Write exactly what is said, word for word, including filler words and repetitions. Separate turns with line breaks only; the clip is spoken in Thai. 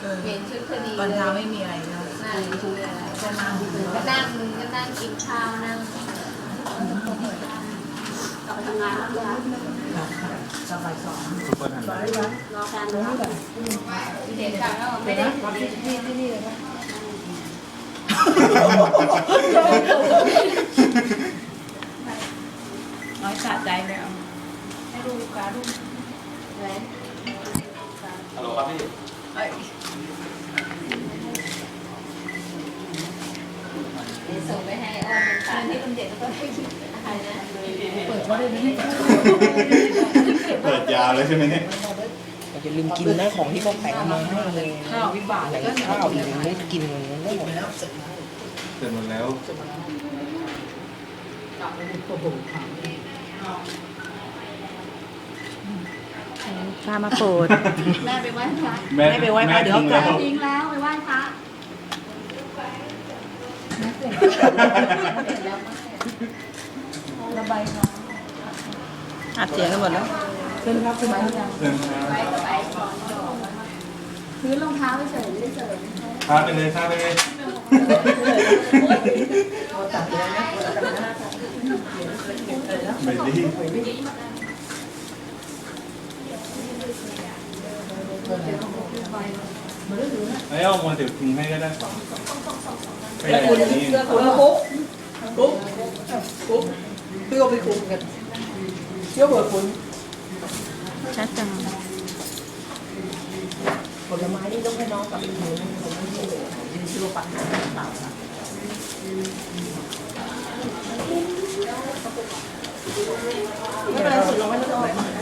เปลี่ยนชุดพอดี
ตอน
เลย
เช้าไม่มีอะไรนะ
นั่งดูเลย
ก็นั่งดู
ก็นั่งก็นั่งกินข้าวนั่ง
กลับไปทำงานแล้วนะคะ
สบายสอง
ซุปเปอร์ทัน
รอการนะคะ
เด็กกลับแล้วไม่ได้ที่ที่นี่เลยนะ
น้อยสะใจแล้ว
ให้ดูการดูไหน
ฮัลโหลครับพี่
เอ้ย
เดี๋ยวส่งไปให้อ้อมเป็นการที่คนเด็กแล้วก็ให้กินอะไรนะ
เปิดว่าได้ไหม
เปิดยาวเลยใช่ไหมเนี่ย
อย่าลืมกินนะของที่เขาแต่งมาให้เลย
ข้าววิบาก
แต่
ก็
ข้าวอีกไม่กินมันได้หมด
แล้วเสร็จแล้ว
เสร็จหมดแล้ว
กลับไปดูตัวบุ๋มค่ะ
พามาโปรด
แม่ไปไหว้พระ
แม่
ไม่ไปไหว้พระเดี๋ยวกลับ
ทิ้งแล้วไปไหว้พระ
ระบายน้อง
อัดเสียงกันหมดแล้ว
เป็นครับคุณหมายยัง
เดินทาง
ไปก็ไปก่อน
พื้นรองเท้าเฉยไม่ได้เฉย
พาไปเลยพาไปเลย
โอ้ตัดเลยนะ
ไม่ดีไอ้เอามาถือทิ้งให้ก็ได้ไปไหนนี่
คุณกุ๊กกุ๊กกุ๊กพี่ก็ไปคุมกันเที่ยวเบิร์ดคุณ
ชัดจัง
ผลไม้นี่ต้องให้น้องกับพี่หนูผมไม่ใช่ยืนซื้อปักหน้าเปล่าค่ะไม่เป็นไรสุดเราไม่ต้อง